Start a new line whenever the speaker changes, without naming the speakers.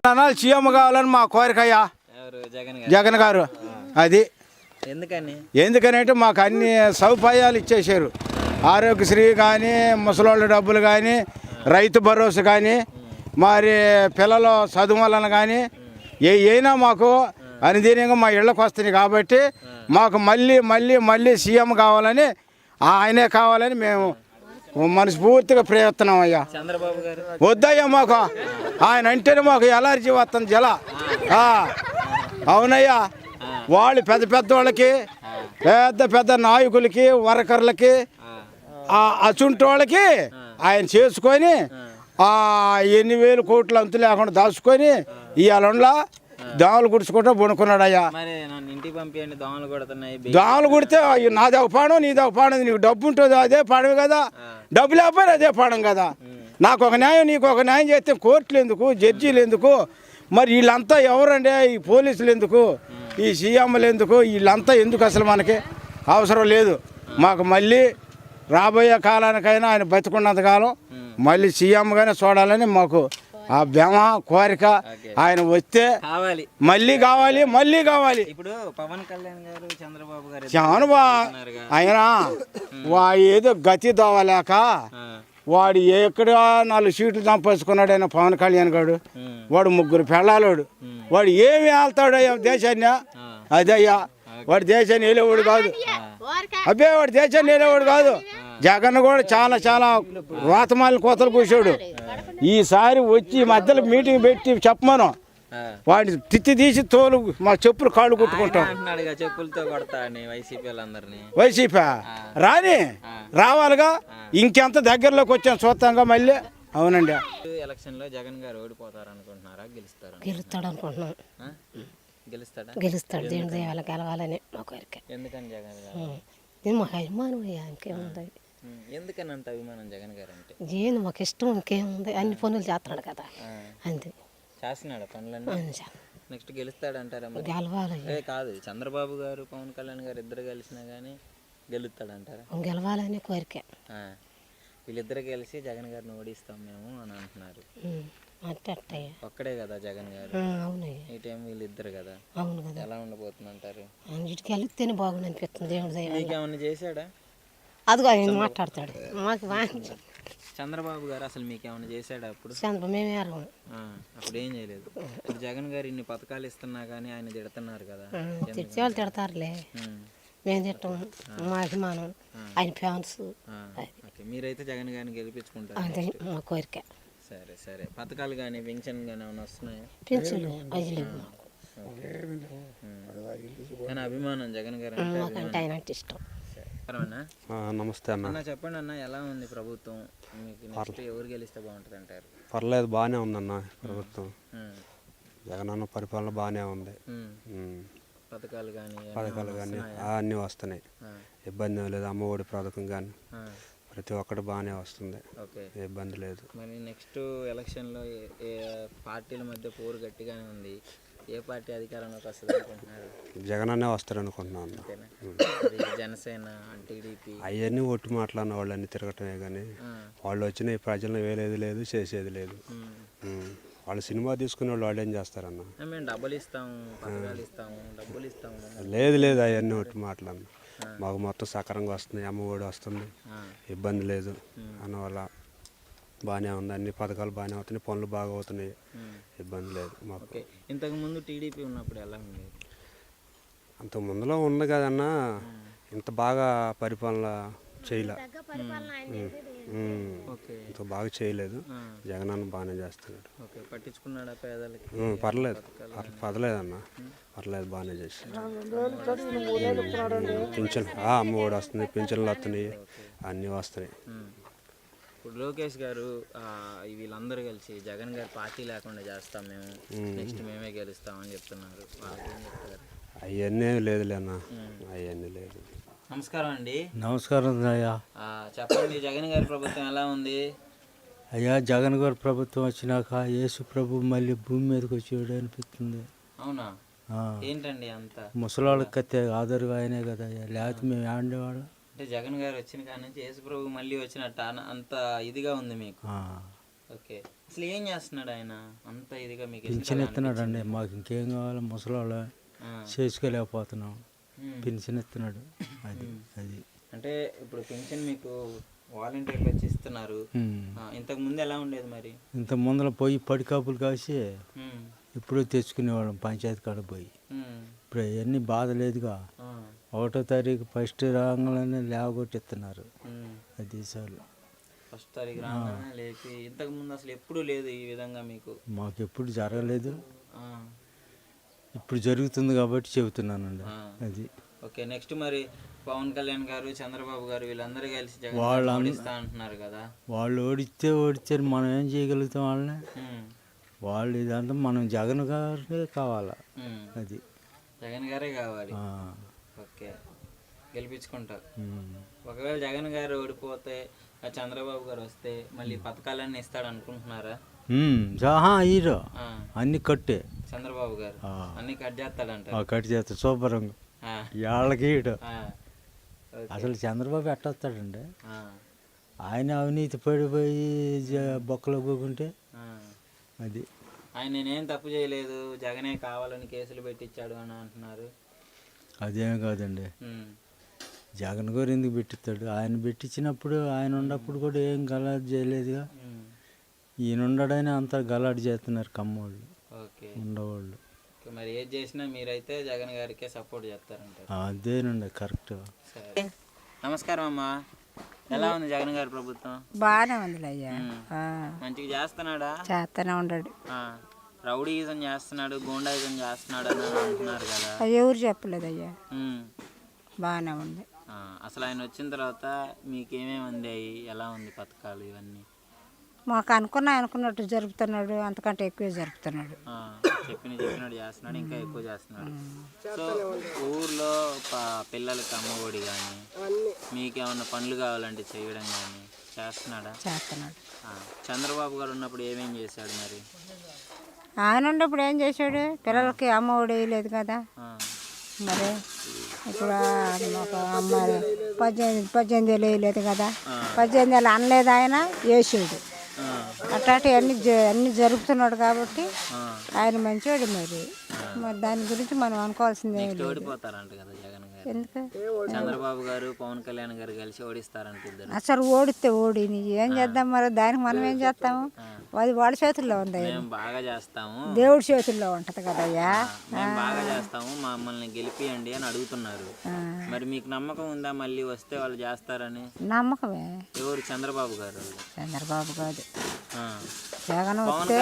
CM కావాలని మా కోరికయ్యా. జగన్ గారు అది ఎందుకనంటే మాకు అన్ని సౌకర్యాలు ఇచ్చేసారు. ఆరోగ్యశ్రీ కానీ, ముసలోళ్ళ డబ్బులు కానీ, రైతు భరోసా కానీ, మరి పిల్లల చదువులను కానీ అయినా మాకు అనుదీనంగా మా ఇళ్ళకు వస్తున్నాయి. కాబట్టి మాకు మళ్ళీ మళ్ళీ మళ్ళీ సీఎం కావాలని, ఆయనే కావాలని మేము మనస్ఫూర్తిగా ప్రయత్నం అయ్యా. వద్దయ్యా మాకు ఆయన అంటేనే మాకు ఎలర్జీ వస్తుంది జల. అవునయ్యా, వాళ్ళు పెద్ద పెద్ద వాళ్ళకి, పెద్ద పెద్ద నాయకులకి, వర్కర్లకి, అసుంటి వాళ్ళకి ఆయన చేసుకొని 8,000 కోట్లు అంతు లేకుండా దాచుకొని ఇవాళ దోమలు గుడుచుకుంటూ బుణుకున్నాడు అయ్యా. దోమలు కుడితే నాది ఒక పాడం, నీది ఒక పాడం. నీకు డబ్బు ఉంటుంది అదే పాడమే కదా, డబ్బు లేకపోయినా అదే పాడం కదా. నాకు ఒక న్యాయం, నీకు ఒక న్యాయం చేస్తే కోర్టులు ఎందుకు, జడ్జీలు ఎందుకు, మరి వీళ్ళంతా ఎవరండి? ఈ పోలీసులు ఎందుకు, ఈ సీఎంలు ఎందుకు, వీళ్ళంతా ఎందుకు? అసలు మనకి అవసరం లేదు. మాకు మళ్ళీ రాబోయే కాలానికైనా ఆయన బతికున్నంతకాలం మళ్ళీ సీఎంగానే చూడాలని మాకు ఆ భ్రమ కోరిక. ఆయన వస్తే మళ్ళీ కావాలి, మళ్ళీ కావాలి.
ఇప్పుడు పవన్ కళ్యాణ్ గారు, చంద్రబాబు గారు
ఆయన ఏదో గతి దోవలేక వాడు ఎక్కడ 4 సీట్లు సంపాదించుకున్నాడు ఆయన పవన్ కళ్యాణ్ గారు. వాడు 3 పెళ్ళాలోడు. వాడు ఏమి వెళ్తాడు దేశాన్ని? అదయ్యా, వాడు దేశాన్ని వెళ్ళేవాడు కాదు. అబ్బే, వాడు దేశాన్ని వెళ్ళేవాడు కాదు. జగన్ కూడా చాలా చాలా రోతమాలిన కోతలు కూర్చోడు. ఈసారి వచ్చి మధ్యలో మీటింగ్ పెట్టి చెప్పమను, వాడిని తిత్తి తీసి తోలు మా చెప్పులు కాళ్ళు కుట్టుకుంటాం. వైసీపీ రాని రావాలిగా, ఇంకెంత దగ్గరలోకి వచ్చాం చూస్తాంగా మళ్ళీ. అవునండి.
ఎలక్షన్ లో జగన్ గారు ఓడిపోతారు అనుకుంటున్నారా,
గెలుస్తాడు అనుకుంటున్నాం. గెలుస్తాడు, దేవుడి దేవాల గెలవాలని మా కోరిక.
ఎందుకని జగన్ గారు?
మాకు అభిమానం అయ్యా, ఇంకేముంది.
ఎందుకని అంత అభిమానం జగన్ గారు అంటే?
ఏంది మాకు ఇష్టం, ఇంకేముంది. అన్ని పనులు చేస్తున్నాడు కదా, అంతే.
చేస్తున్నాడు పనులన్నీ. నెక్స్ట్ గెలుస్తాడు అంటారా?
గెలవాలి
కాదు, చంద్రబాబు గారు, పవన్ కళ్యాణ్ గారు ఇద్దరు కలిసినా కానీ గెలుస్తాడు అంటారా?
గెలవాలని కోరిక.
వీళ్ళిద్దరు కలిసి జగన్ గారిని ఓడిస్తాం మేము అని అంటున్నారు. ఒక్కడే కదా జగన్ గారు, ఈ టైం వీళ్ళిద్దరు కదా.
అవును కదా.
ఎలా ఉండబోతుంది అంటారు?
అన్నిటికీ వెళితేనే బాగుంది అనిపిస్తుంది. దేవుడి దయ.
మీకేమన్నా చేశాడా?
అదిగో ఆయన మాట్లాడతాడు. మాకు
చంద్రబాబు గారు అసలు మీకేమన్నా చేశాడా? అప్పుడు
మేమే
అప్పుడు ఏం చేయలేదు. జగన్ గారు ఇన్ని పథకాలు ఇస్తున్నా కానీ ఆయన తిడుతున్నారు కదా.
తిట్టేవాళ్ళు తిడతారులే, మేము తిట్టాం. మా అభిమానం, ఆయన ఫ్యాన్స్.
మీరైతే జగన్ గారిని గెలిపించుకుంటారు,
అంతే మా కోరిక.
సరే సరే. పథకాలు కానీ, పెన్షన్ కానీ ఏమైనా వస్తున్నాయా?
పెన్షన్ అది లేవు.
కానీ అభిమానం జగన్ గారు
అంటే ఆయన అంటే ఇష్టం.
నమస్తే అన్న.
చెప్పండి అన్న, ఎలా ఉంది ప్రభుత్వం? మీకు నెక్స్ట్ ఎవరు గెలిస్తే బాగుంటుంది అంటారు?
పర్లేదు, బాగానే ఉందన్న ప్రభుత్వం. జగన్ అన్న పరిపాలన బాగానే ఉంది.
పథకాలు కానీ
అన్నీ వస్తున్నాయి, ఇబ్బంది లేదు. అమ్మఒడి పథకం కానీ ప్రతి ఒక్కటి బాగానే వస్తుంది, ఇబ్బంది లేదు.
మరి నెక్స్ట్ ఎలక్షన్లో ఏ పార్టీల మధ్య పోరు గట్టిగానే ఉంది. ఏ పార్టీ అధికారంలోకి వస్తుంది అనుకుంటున్నారు?
జగన్ అనే వస్తారు అనుకుంటున్నాను.
జనసేన, టీడీపీ
అవన్నీ ఒట్టి మాట్లాడిన వాళ్ళు అన్ని తిరగటమే కానీ వాళ్ళు వచ్చిన ప్రజలను వేరేది లేదు, చేసేది లేదు. వాళ్ళు సినిమా తీసుకునే వాళ్ళు ఏం చేస్తారన్న?
మేము డబ్బులు ఇస్తాము, పథకాలు ఇస్తాము, డబ్బులు ఇస్తాము.
లేదు లేదు, అవన్నీ ఒట్టి మాట్లాడిన. మాకు మొత్తం సకరంగా వస్తుంది, అమ్మఒడి వస్తుంది, ఇబ్బంది లేదు అన్నవల్ల బాగానే ఉంది. అన్ని పథకాలు బాగానే అవుతున్నాయి, పనులు బాగా అవుతున్నాయి, ఇబ్బంది లేదు మాకు.
ఇంతకుముందు టీడీపీ ఉన్నప్పుడు ఎలా ఉంది?
అంత ముందులో ఉంది కదన్నా, ఇంత బాగా పరిపాలన చేయలే, ఇంత బాగా చేయలేదు. జగన్ అన్న బాగానే చేస్తున్నాడు.
పట్టించుకున్నాడా పేదలకి?
పర్లేదు అన్న, పర్లేదు, బాగానే చేశాడు. పింఛన్ అమ్మఒడి వస్తుంది, పింఛన్లు వస్తున్నాయి, అన్నీ వస్తున్నాయి.
ఇప్పుడు లోకేష్ గారు వీళ్ళందరూ కలిసి జగన్ గారు పార్టీ లేకుండా చేస్తాం మేము, నెక్స్ట్ మేమే గెలుస్తామని చెప్తున్నారు.
అవన్నీ లేదులే అన్న, అవన్నీ లేదు.
నమస్కారం అండి.
నమస్కారం అయ్యా.
చెప్పండి, జగన్ గారి ప్రభుత్వం ఎలా ఉంది?
అయ్యా, జగన్ గారి ప్రభుత్వం వచ్చినాక యేసు ప్రభు మళ్ళీ భూమి మీదకి వచ్చాడు అనిపిస్తుంది.
అవునా? ఏంటండి అంత?
ముసలాళ్ళకి కత్తే ఆదరుగా ఆయనే కదా, లేకపోతే మేము ఆడేవాళ్ళం.
అంటే జగన్ గారు వచ్చిన కాడ నుంచి యేసు ప్రభు మళ్ళీ వచ్చినట్టు అంత ఇదిగా ఉంది మీకు? ఓకే, అసలు ఏం చేస్తున్నాడు ఆయన అంత ఇదిగా మీకు ఎందుకు
పింఛన్
అలా
ఇస్తున్నాడు అండి, మాకు ఇంకేం కావాలి, ముసలోళ్ళ చేసుకోలేకపోతున్నాం, పింఛన్ ఇస్తున్నాడు. అది అది
అంటే ఇప్పుడు పెన్షన్ మీకు వాలంటీర్లు వచ్చి ఇస్తున్నారు. ఇంతకు ముందు ఎలా ఉండేది మరి?
ఇంత ముందర పోయి పడికాపులు కాసి
ఉమ్,
ఇప్పుడు తెచ్చుకునేవాళ్ళం పంచాయతీ కాడ పోయి.
ఉమ్,
ఇప్పుడు అవన్నీ బాధ లేదుగా, 1వ తారీఖు ఫస్ట్ రాగానే లేవగొట్టిస్తున్నారు. అది సార్
ఫస్ట్ తారీఖు రాగానే లేపి, ఇంతకు ముందు అసలు ఎప్పుడూ లేదు ఈ విధంగా మీకు?
మాకు ఎప్పుడు జరగలేదు,
ఆ,
ఇప్పుడు జరుగుతుంది కాబట్టి చెబుతున్నానండి. అది
ఓకే. నెక్స్ట్ మరి పవన్ కళ్యాణ్ గారు, చంద్రబాబు గారు వీళ్ళందరూ కలిసి జగన్
వాళ్ళు
గారిని ఓడిస్తా అంటున్నారు కదా.
వాళ్ళు ఓడిచ్చారు, మనం ఏం చేయగలుగుతాం వాళ్ళని?
ఉమ్,
వాళ్ళు ఇదంతా మనం జగన్ గారే కావాలా.
ఉమ్,
అది
జగన్ గారే కావాలి.
ఆ,
ఓకే, గెలిపించుకుంటారు.
ఉమ్.
ఒకవేళ జగన్ గారు ఓడిపోతే ఆ చంద్రబాబు గారు వస్తే మళ్ళీ పథకాలన్నీ ఇస్తాడు అనుకుంటున్నారా?
హీరో అన్ని కట్టే
చంద్రబాబు గారు అన్ని కట్ చేస్తాడంటారు.
కట్ చేస్తా శుభ్రంగా
ఆ,
వాళ్ళకి ఈడు.
ఆ, ఓకే.
అసలు చంద్రబాబు ఎట్టొస్తాడండి?
ఆ,
ఆయన అవినీతి పడిపోయి బొక్కలో పోకుంటే
ఆ.
అది.
ఆయన నేనేం తప్పు చేయలేదు, జగనే కావాలని కేసులు పెట్టించాడు అని అంటున్నారు.
అదేం కాదండి,
ఉమ్,
జగన్ గారు ఎందుకు పెట్టిస్తాడు? ఆయన పెట్టించినప్పుడు ఆయన ఉన్నప్పుడు కూడా ఏం గలాట్ చేయలేదుగా.
ఉమ్,
ఈయన ఉండడని అంతా గలాట్ చేస్తున్నారు కమ్మోళ్ళు
ఓకే.
ఉండవాళ్ళు.
ఓకే, మరి ఏది చేసినా మీరైతే జగన్ గారికే సపోర్ట్ చేస్తారంటారు.
అదేనండి కరెక్ట్.
సరే, నమస్కారం అమ్మా. ఎలా ఉంది జగన్ గారి ప్రభుత్వం?
బాగానే ఉంది అయ్యా,
మంచిగా చేస్తున్నాడా?
చేస్తూనే ఉన్నాడు.
రౌడీయిజం చేస్తున్నాడు, గూండాయిజం చేస్తున్నాడు అని అంటున్నారు కదా.
అది ఎవరు చెప్పలేదు అయ్యా,
ఉమ్.
బాగానే ఉంది.
అసలు ఆయన వచ్చిన తర్వాత మీకు ఏమేమి అందాయి, ఎలా ఉంది పథకాలు ఇవన్నీ?
మాకు అనుకున్నట్టు జరుపుతున్నాడు, అంతకంటే ఎక్కువ జరుపుతున్నాడు.
చెప్పినట్టు చేస్తున్నాడు, ఇంకా ఎక్కువ చేస్తున్నాడు. సో ఊర్లో పిల్లలకి అమ్మఒడి కానీ మీకేమన్నా పనులు కావాలంటే చేయడం కానీ చేస్తున్నాడా?
చేస్తున్నాడు.
చంద్రబాబు గారు ఉన్నప్పుడు ఏమేం చేశాడు మరి?
ఆయన ఉన్నప్పుడు ఏం చేశాడు? పిల్లలకి అమ్మ ఒడి వేయలేదు కదా. మరి ఇప్పుడు ఒక అమ్మాయి 18 ఏళ్ళు వేయలేదు కదా, 18 ఏళ్ళు అనలేదు ఆయన, వేసాడు. అట్లాంటి అన్ని జరుపుతున్నాడు కాబట్టి ఆయన మంచివాడు. మరి దాని గురించి మనం అనుకోవాల్సిందే.
ఓడిపోతారంట కదా జగన్ గారు?
ఎందుకు?
చంద్రబాబు గారు పవన్ కళ్యాణ్ గారు కలిసి ఓడిస్తారంట ఇద్దరు.
అసలు ఓడితే ఓడిని ఏం చేద్దాం? మరి దానికి మనం ఏం చేస్తాము? అది వాళ్ళ చేతుల్లో ఉంది.
మేము బాగా చేస్తాము,
దేవుడి చేతుల్లో ఉంటది కదయ్యా.
మేము బాగా చేస్తాము, మమ్మల్ని గెలిపియండి అని అడుగుతున్నారు. మరి మీకు నమ్మకం ఉందా మళ్ళీ వస్తే వాళ్ళు చేస్తారని?
నమ్మకమే.
ఎవరు? చంద్రబాబు గారు?
చంద్రబాబు కాదు,
ఆ.
జగన్ వస్తే